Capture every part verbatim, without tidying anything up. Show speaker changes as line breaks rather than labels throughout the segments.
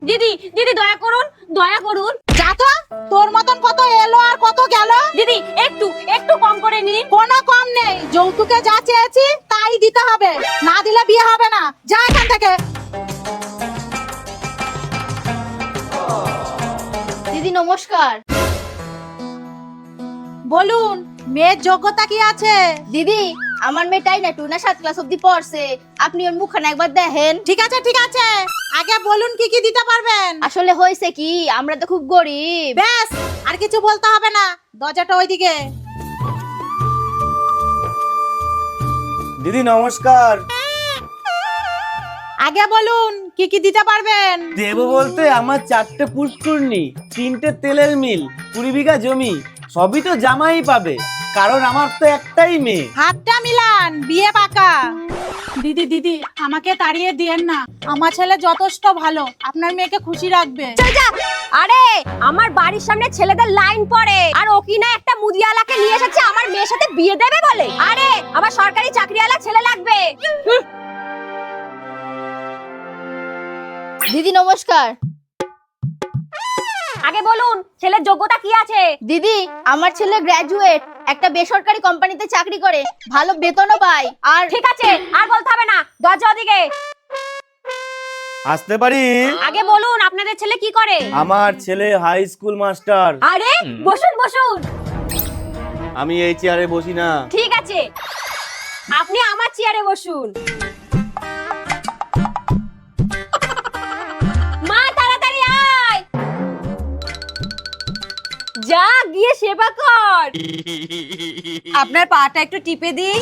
দিদি দিদি দয়া করুন, দয়া করুন।
যা তো, তোর মতন কত এলো আর কত গেল।
দিদি একটু একটু কম করে নিন।
কোনো কম নেই, যৌতুকে যা চেয়েছি তাই দিতে হবে, না দিলে বিয়ে হবে না। যা এখান থেকে।
দিদি নমস্কার।
বলুন, মেয়ের যোগ্যতা কি আছে?
দিদি আমার মেয়েটাই না টু না সাত ক্লাস অব্দি পড়ছে, আপনি ওর মুখখানা একবার দেখেন।
ঠিক আছে ঠিক আছে, আগে বলুন কি কি দিতে পারবেন।
আসলে হয়েছে কি, আমরা তো খুব গরিব।
ব্যাস, আর কিছু বলতে হবে না, দরজাটা ওইদিকে।
দিদি নমস্কার।
আগে বলুন কি কি দিতে পারবেন।
দেবো বলতে আমার চারটে পুষ্করণী, তিনটে তেলের মিল, কুড়ি বিঘা জমি, সবই তো জামাই পাবে, কারণ আমার তো একটাই মেয়ে।
হাতটা মিলান, বিয়ে পাকা। দিদি দিদি আমাকে তাড়িয়ে দিয়েন না, আমার ছেলে যথেষ্ট ভালো, আপনার মেয়েকে খুশি রাখবে।
আরে আমার বাড়ির সামনে ছেলেদের লাইন পড়ে, আর ও কি না একটা মুদিয়ালাকে নিয়ে এসেছে আমার মেয়ের সাথে বিয়ে দেবে বলে। আরে আমার সরকারি চাকরিওয়ালা ছেলে লাগবে।
দিদি নমস্কার।
আগে বলুন ছেলের যোগ্যতা কি আছে।
দিদি আমার ছেলে গ্র্যাজুয়েট, একটা বেসরকারি কোম্পানিতে চাকরি করে, ভালো বেতনও পায়। আর
ঠিক আছে, আর বলতে হবে না, দরজা ওদিকে।
আসতে পারি?
আগে বলুন আপনাদের ছেলে কি করে।
আমার ছেলে হাই স্কুল মাস্টার।
আরে বসুন বসুন।
আমি এই চেয়ারে বসি না।
ঠিক আছে, আপনি আমার চেয়ারে বসুন। মা তাড়াতাড়ি আয়, যা গিয়ে সেবা কর। আপনার পাটা একটু টিপে দিই।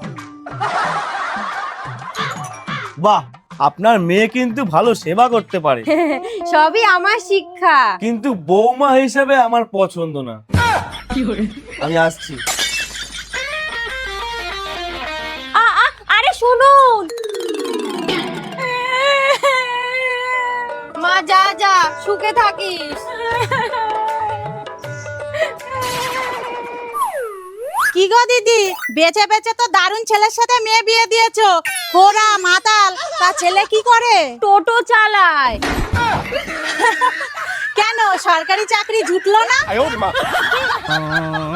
বাহ, আপনার মেয়ে কিন্তু ভালো সেবা করতে পারে,
সবই আমার শিক্ষা।
কিন্তু বৌমা হিসেবে আমার পছন্দ না। আমি আসছি।
আ আ আরে শুনুন। মা যা যা, সুখে থাকিস।
কি গো দিদি, বেঁচে বেঁচে তো দারুণ ছেলের সাথে মেয়ে বিয়ে দিয়েছো। খোরা মাতাল, তা ছেলে কি করে?
টোটো চালায়।
কেন, সরকারি চাকরি জুটলো না?